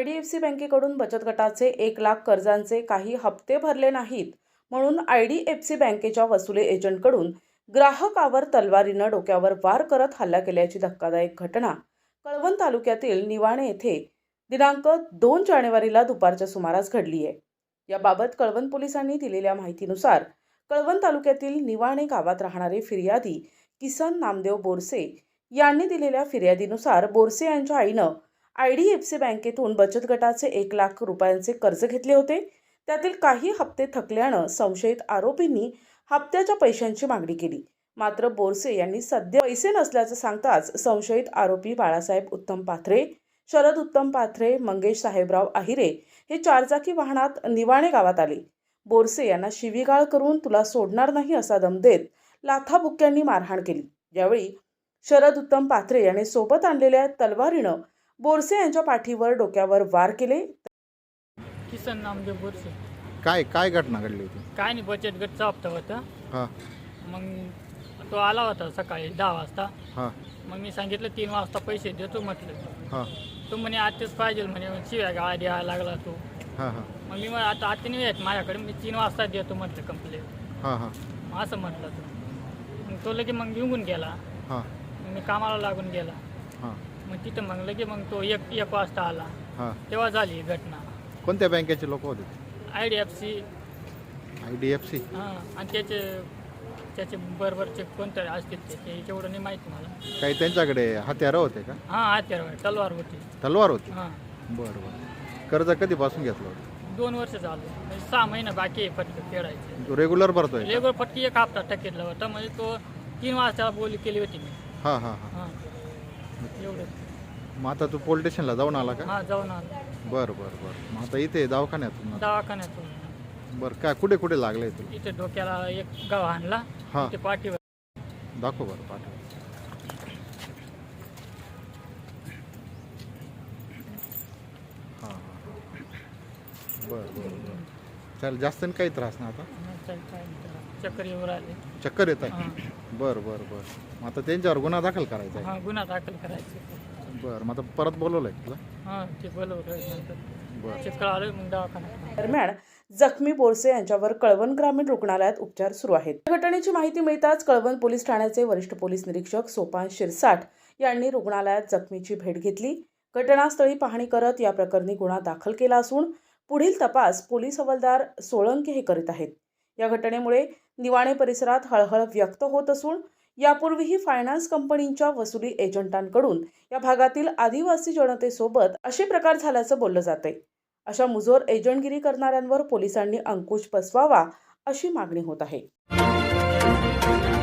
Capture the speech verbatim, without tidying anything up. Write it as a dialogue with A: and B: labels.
A: I D F C बँकेकडून बचत गटाचे एक लाख कर्जांचे काही हप्ते भरले नाहीत म्हणून आय डी एफ सी बँकेच्या वसुली एजंटकडून ग्राहकावर तलवारीनं डोक्यावर वार करत हल्ला केल्याची धक्कादायक घटना कळवण तालुक्यातील निवाणे येथे दिनांक दोन जानेवारीला दुपारच्या सुमारास घडली आहे। याबाबत कळवण पोलिसांनी दिलेल्या माहितीनुसार कळवण तालुक्यातील निवाणे गावात राहणारे फिर्यादी किसन नामदेव बोरसे यांनी दिलेल्या फिर्यादीनुसार बोरसे यांच्या आईनं आय डी एफ सी बँकेतून बचत गटाचे एक लाख रुपयांचे कर्ज घेतले होते। त्यातील काही हप्ते थकल्यानं संशयित आरोपींनी हप्त्याच्या पैशांची मागणी केली। मात्र बोरसे यांनी सध्या पैसे नसल्याचं सांगताच संशयित आरोपी बाळासाहेब उत्तम पाथरे, शरद उत्तम पाथरे, मंगेश साहेबराव आहिरे हे चारचाकी वाहनात निवाणे गावात आले। बोरसे यांना शिवीगाळ करून तुला सोडणार नाही असा दम देत लाथाबुक्क्यांनी मारहाण केली। यावेळी शरद उत्तम पाथरे यांनी सोबत आणलेल्या तलवारीनं बोरसे यांच्या पाठीवर डोक्यावर वार केले।
B: किसन नामदेव बोरसे।
C: काय काय घटना घडली होती?
B: काय नाही, बचत गटचा हप्ता होता।
C: हां
B: मग तो आला होता सकाळी दहा वाजता।
C: हां
B: मग मी सांगितलं तीन वाजता पैसे देतो म्हटलं।
C: हां
B: तो म्हणे आत्ताच पाहिजे म्हणे, शिव्या गाळा द्यायला लागला तो।
C: हां हां
B: मग मी म्हणे आता आत्ता नाही येत माझ्याकडे, मी तीन वाजता देतो म्हटलं कंप्लेंट।
C: हां हां
B: असं म्हटलं तो। मग तो लगे मग निघून गेला।
C: हां
B: मग मी कामाला लागून गेला।
C: हां
B: मग तिथं मग लगे मग तो एक एक वाजता आला।
C: हां
B: तेव्हा झाली ही घटना।
C: कोणत्या बँकेचे लोक होते?
B: I D F C.
C: I D F C.
B: हां, आणि त्याचे त्याचे बरोबरचे कोणतरी असतील ते ते एवढं नाही माहिती मला।
C: काही त्यांच्याकडे हत्यारं होते का?
B: हां, हत्यार तलवार होती।
C: तलवार होती?
B: हां,
C: बरं बरं। कर्ज कधीपासून घेतलं होतं?
B: दोन वर्ष झालं, म्हणजे सहा महिने बाकी आहे फटके फेडायचे।
C: तो रेग्युलर भरतोय का?
B: लेबर फटकी एक हप्ता टक्केतला होता, म्हणजे तो तीन वाजता बोली केली होती मी।
C: हां हां हां
B: हां, एवढं।
C: मग आता तू पोलीस स्टेशनला जाऊन आला का?
B: हां, जाऊन आलो
C: बरं बरं बरं। मग आता इथे दवाखान्यातून?
B: दवाखान्यातून।
C: बरं, काय कुठे कुठे लागले तुला?
B: इथे डोक्याला एक गाव आणला,
C: हां
B: इथे पाठीवर।
C: दाखव बरं पाठव। हां हां बरं बरं बरं। चालेल, जास्त नाही काही त्रास ना आता?
B: काय नाही, चक्कर येऊन राहिले।
C: चक्कर येत आहे?
B: हां
C: बरं बरं बरं। मग आता त्यांच्यावर गुन्हा दाखल करायचा आहे?
B: हां, गुन्हा दाखल करायचे।
C: बरं, मग आता परत बोलवलं आहे तुला?
B: हां, ते बोलवलं नंतर
C: बरं।
B: चक्कर आलं, मग दवाखान्यात।
A: दरम्यान जखमी बोरसे यांच्यावर कळवण ग्रामीण रुग्णालयात उपचार सुरू आहेत। या घटनेची माहिती मिळताच कळवण पोलीस ठाण्याचे वरिष्ठ पोलीस निरीक्षक सोपान शिरसाट यांनी रुग्णालयात जखमीची भेट घेतली। घटनास्थळी पाहणी करत या प्रकरणी गुन्हा दाखल केला असून पुढील तपास पोलीस हवालदार सोळंके हे करीत आहेत। या घटनेमुळे निवाणे परिसरात हळहळ व्यक्त होत असून यापूर्वीही फायनान्स कंपनीच्या वसुली एजंटांकडून या भागातील आदिवासी जनतेसोबत असे प्रकार झाल्याचं बोललं जाते। अशा मुजोर एजंटगिरी करणाऱ्यांवर पोलिसांनी अंकुश बसवावा अशी मागणी होत आहे।